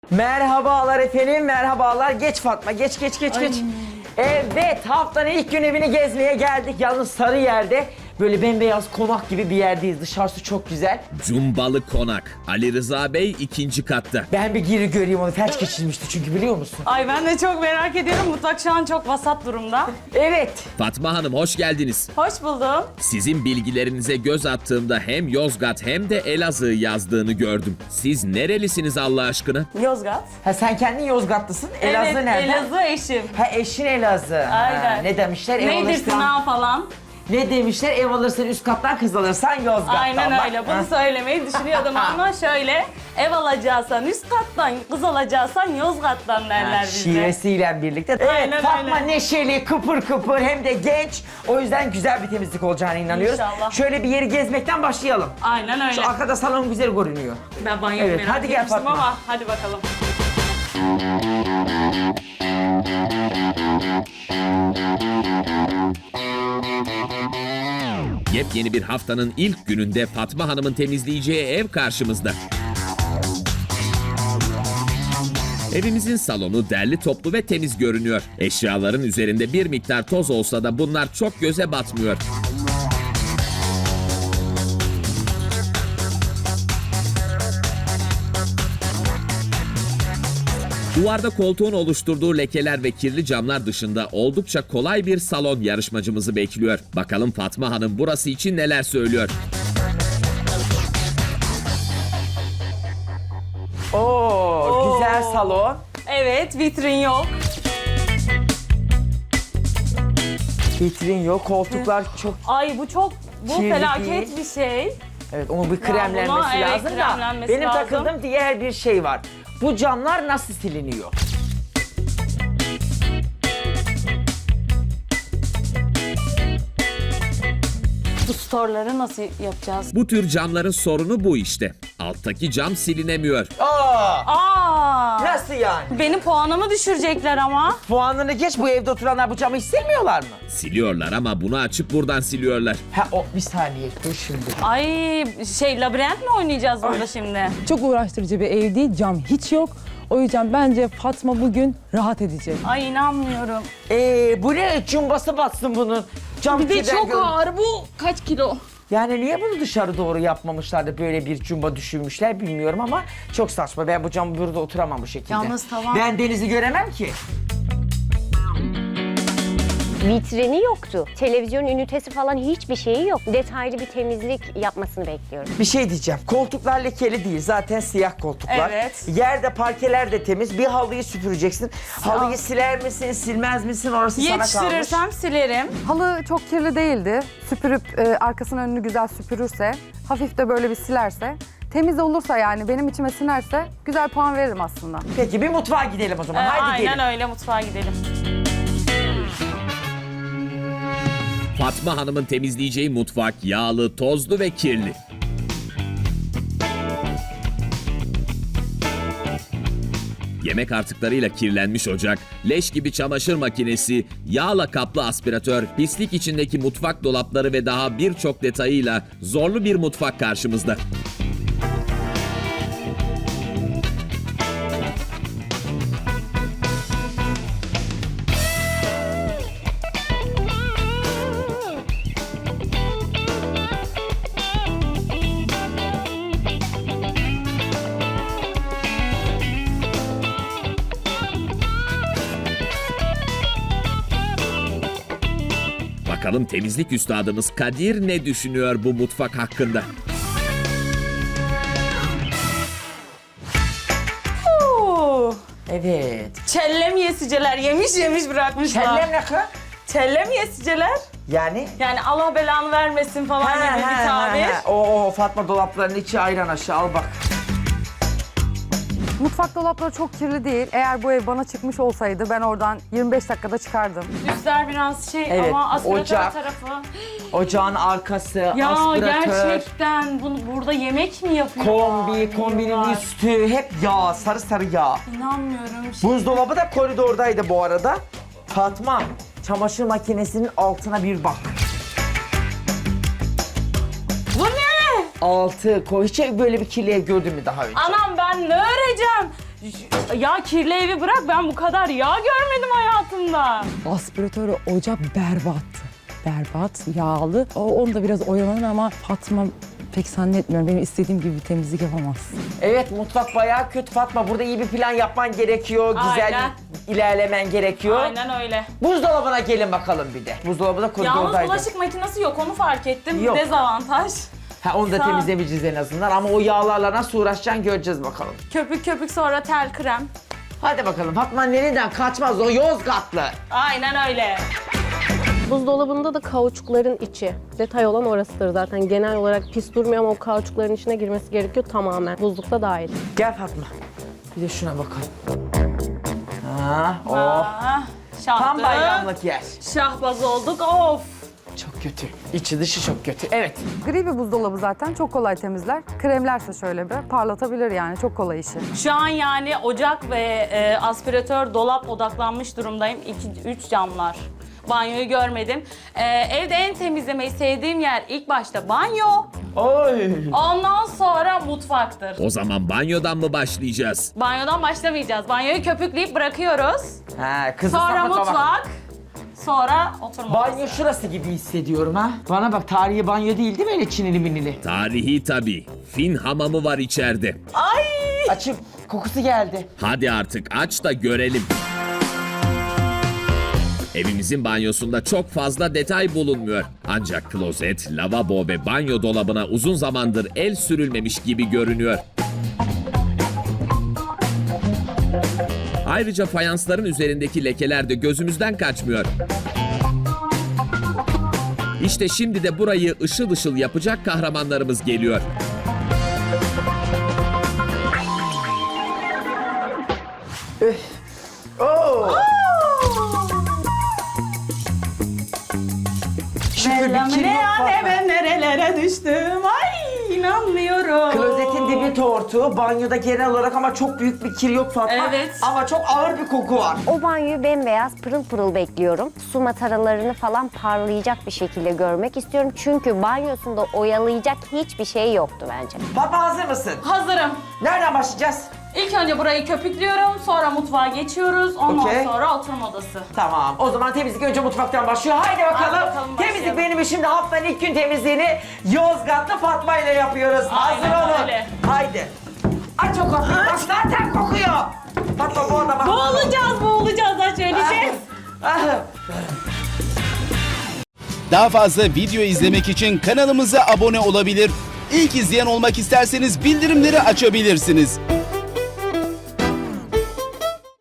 Merhabalar efendim, merhabalar. Geç Fatma, geç. Evet, haftanın ilk gün evini gezmeye geldik. Yalnız Sarıyer'de böyle bembeyaz konak gibi bir yerdeyiz. Dışarısı çok güzel. Cumbalı Konak. Ali Rıza Bey 2. katta. Ben bir giri göreyim onu. Felç geçirmişti çünkü biliyor musun? Ay ben de çok merak ediyorum. Mutfak şu an çok vasat durumda. Evet. Fatma Hanım hoş geldiniz. Hoş buldum. Sizin bilgilerinize göz attığımda hem Yozgat hem de Elazığ yazdığını gördüm. Siz nerelisiniz Allah aşkına? Yozgat. Ha sen kendin Yozgatlısın. Elazığ Evet, nereden? Elazığ eşim. Ha eşin Elazığ. Aynen. Ha, ne demişler? Ev Neydir alırsan... sınav falan. Ne demişler? Ev alırsan üst kattan, kız alırsan Yozgat'tan. Aynen Bak. öyle. Bunu Ha. söylemeyi düşünüyordum ama şöyle. Ev alacaksan üst kattan, kız alacaksan Yozgat'tan derler bizde. Şivesiyle birlikte. Evet, Aynen Fatma öyle. neşeli, kıpır kıpır hem de genç. O yüzden güzel bir temizlik olacağına inanıyoruz. İnşallah. Şöyle bir yeri gezmekten başlayalım. Aynen öyle. Şu arkada salon güzel görünüyor. Ben banyoyu Evet, merak hadi gel etmiştim Fatma. ama hadi bakalım. Yepyeni bir haftanın ilk gününde Fatma Hanım'ın temizleyeceği ev karşımızda. Evimizin salonu derli toplu ve temiz görünüyor. Eşyaların üzerinde bir miktar toz olsa da bunlar çok göze batmıyor. Duvarda koltuğun oluşturduğu lekeler ve kirli camlar dışında oldukça kolay bir salon yarışmacımızı bekliyor. Bakalım Fatma Hanım burası için neler söylüyor. Oo, güzel salon. Evet, vitrin yok. Vitrin yok, koltuklar çok... Ay bu çok, bu Kirli felaket değil. bir şey. Evet, onun bir kremlenmesi buna, evet, lazım da. kremlenmesi Benim lazım. takıldığım diğer bir şey var. Bu camlar nasıl siliniyor? Bu storları nasıl yapacağız? Bu tür camların sorunu bu işte. Alttaki cam silinemiyor. Aa! Aa! Nasıl yani? Benim puanımı düşürecekler ama. Puanını geç, bu evde oturanlar bu camı hiç silmiyorlar mı? Siliyorlar ama bunu açıp buradan siliyorlar. Ha o bir saniye dur şimdi. Ay labirent mi oynayacağız burada şimdi? Çok uğraştırıcı bir ev değil, cam hiç yok. O yüzden bence Fatma bugün rahat edecek. Ay inanmıyorum. Bu ne? Cumbası batsın bunun. Cam Bir de kirden çok gör- ağır bu. Kaç kilo? Yani niye bunu dışarı doğru yapmamışlar da böyle bir cumba düşünmüşler bilmiyorum ama çok saçma. Ben bu cam burada oturamam bu şekilde. Yalnız tamam. Ben denizi göremem ki. Vitrini yoktu. Televizyon ünitesi falan hiçbir şeyi yok. Detaylı bir temizlik yapmasını bekliyorum. Bir şey diyeceğim. Koltuklar lekeli değil. Zaten siyah koltuklar. Evet. Yerde parkeler de temiz. Bir halıyı süpüreceksin. Halıyı siler misin, silmez misin? Orası sana kalmış. Yetiştirirsem silerim. Halı çok kirli değildi. Süpürüp arkasının önünü güzel süpürürse, hafif de böyle bir silerse, temiz olursa yani benim içime sinerse güzel puan veririm aslında. Peki bir mutfağa gidelim o zaman. Haydi Aynen gelin. öyle, mutfağa gidelim. Fatma Hanım'ın temizleyeceği mutfak yağlı, tozlu ve kirli. Yemek artıklarıyla kirlenmiş ocak, leş gibi çamaşır makinesi, yağla kaplı aspiratör, pislik içindeki mutfak dolapları ve daha birçok detayıyla zorlu bir mutfak karşımızda. Bakalım temizlik üstadımız Kadir ne düşünüyor bu mutfak hakkında? Oo. Evet. Çellem yesiceler yemiş bırakmışlar. Kellem ne kız? Çellem yesiceler. Yani? Yani Allah belanı vermesin falan gibi bir tabir. Oo Fatma dolaplarının içi ayran aşağı al bak. Mutfak dolapları çok kirli değil. Eğer bu ev bana çıkmış olsaydı ben oradan 25 dakikada çıkardım. Üstler biraz şey Evet, ama aspiratör ocak. tarafı. Ocağın arkası, Ya aspiratör, gerçekten bunu burada yemek mi yapıyorlar? kombinin Yiyorlar. üstü hep yağ, sarı sarı yağ. İnanmıyorum. Buzdolabı da koridordaydı bu arada. Fatma, çamaşır makinesinin altına bir bak. Bu ne? Altı koy. Hiç böyle bir kirli ev gördün mü daha önce? Anam ben ne öreceğim? Ya kirli evi bırak, ben bu kadar yağ görmedim hayatımda. Aspiratörü ocak berbattı. Berbat, yağlı. Onu da biraz oyalanır ama Fatma pek zannetmiyorum. Benim istediğim gibi bir temizlik yapamaz. Evet, mutfak bayağı kötü Fatma. Burada iyi bir plan yapman gerekiyor. Güzel Aynen. ilerlemen gerekiyor. Aynen öyle. Buzdolabına gelin bakalım bir de. Buzdolabı da Yalnız koridordaydı. bulaşık makinesi yok, onu fark ettim. Yok. Dezavantaj. Ha, onu da Sağ- temizlemeyeceğiz en azından ama o yağlarla nasıl uğraşacaksın göreceğiz bakalım. Köpük köpük, sonra tel krem. Hadi bakalım, Fatma nereden kaçmaz, o Yozgatlı. Aynen öyle. Buzdolabında da kauçukların içi. Detay olan orasıdır zaten. Genel olarak pis durmuyor ama o kauçukların içine girmesi gerekiyor tamamen. Buzlukta dahil. Gel Fatma. Bir de şuna bakalım. Ha, oh. Ah, Tam şahtı. bayramlık yer. Şahbaz olduk, of. Çok kötü. İçi dışı çok kötü. Evet. Gri bir buzdolabı zaten çok kolay temizler. Kremlerse şöyle bir parlatabilir yani çok kolay işi. Şu an yani ocak ve aspiratör, dolap odaklanmış durumdayım. 2-3 camlar. Banyoyu görmedim. Evde en temizlemeyi sevdiğim yer ilk başta banyo. Oy. Ondan sonra mutfaktır. O zaman banyodan mı başlayacağız? Banyodan başlamayacağız. Banyoyu köpükleyip bırakıyoruz. Ha, kızı Sonra sapıtma bak. mutfak. Sonra oturma Banyo odası. şurası gibi hissediyorum ha. Bana bak, tarihi banyo değil mi öyle çinili minili? Tarihi tabii. Fin hamamı var içeride. Ay! Açıp kokusu geldi. Hadi artık aç da görelim. Evimizin banyosunda çok fazla detay bulunmuyor. Ancak klozet, lavabo ve banyo dolabına uzun zamandır el sürülmemiş gibi görünüyor. Ayrıca fayansların üzerindeki lekeler de gözümüzden kaçmıyor. İşte şimdi de burayı ışıl ışıl yapacak kahramanlarımız geliyor. Oo. Şöyle bir kir Ne yok ya, ne Fatma. ben nerelere düştüm. Ay, inanmıyorum. Klozetin dibi tortu, banyoda genel olarak ama çok büyük bir kir yok Fatma. Evet. Ama çok ağır bir koku var. O banyoyu bembeyaz pırıl pırıl bekliyorum. Su mataralarını falan parlayacak bir şekilde görmek istiyorum. Çünkü banyosunda oyalayacak hiçbir şey yoktu bence. Fatma, hazır mısın? Hazırım. Nereden başlayacağız? İlk önce burayı köpüklüyorum, sonra mutfağa geçiyoruz, ondan Okey. sonra oturma odası. Tamam. O zaman temizlik önce mutfaktan başlıyor. Haydi bakalım. Hadi bakalım, Temizlik başlayalım. benim işim de haftanın ilk gün temizliğini Yozgatlı Fatma ile yapıyoruz. Aynen Hazır olun. öyle. Haydi. Aç o kapıyı. Bak zaten kokuyor. Fatma, bu arada bak. Boğulacağız aç öyle şey. Ah. Daha fazla video izlemek için kanalımıza abone olabilir. İlk izleyen olmak isterseniz bildirimleri açabilirsiniz.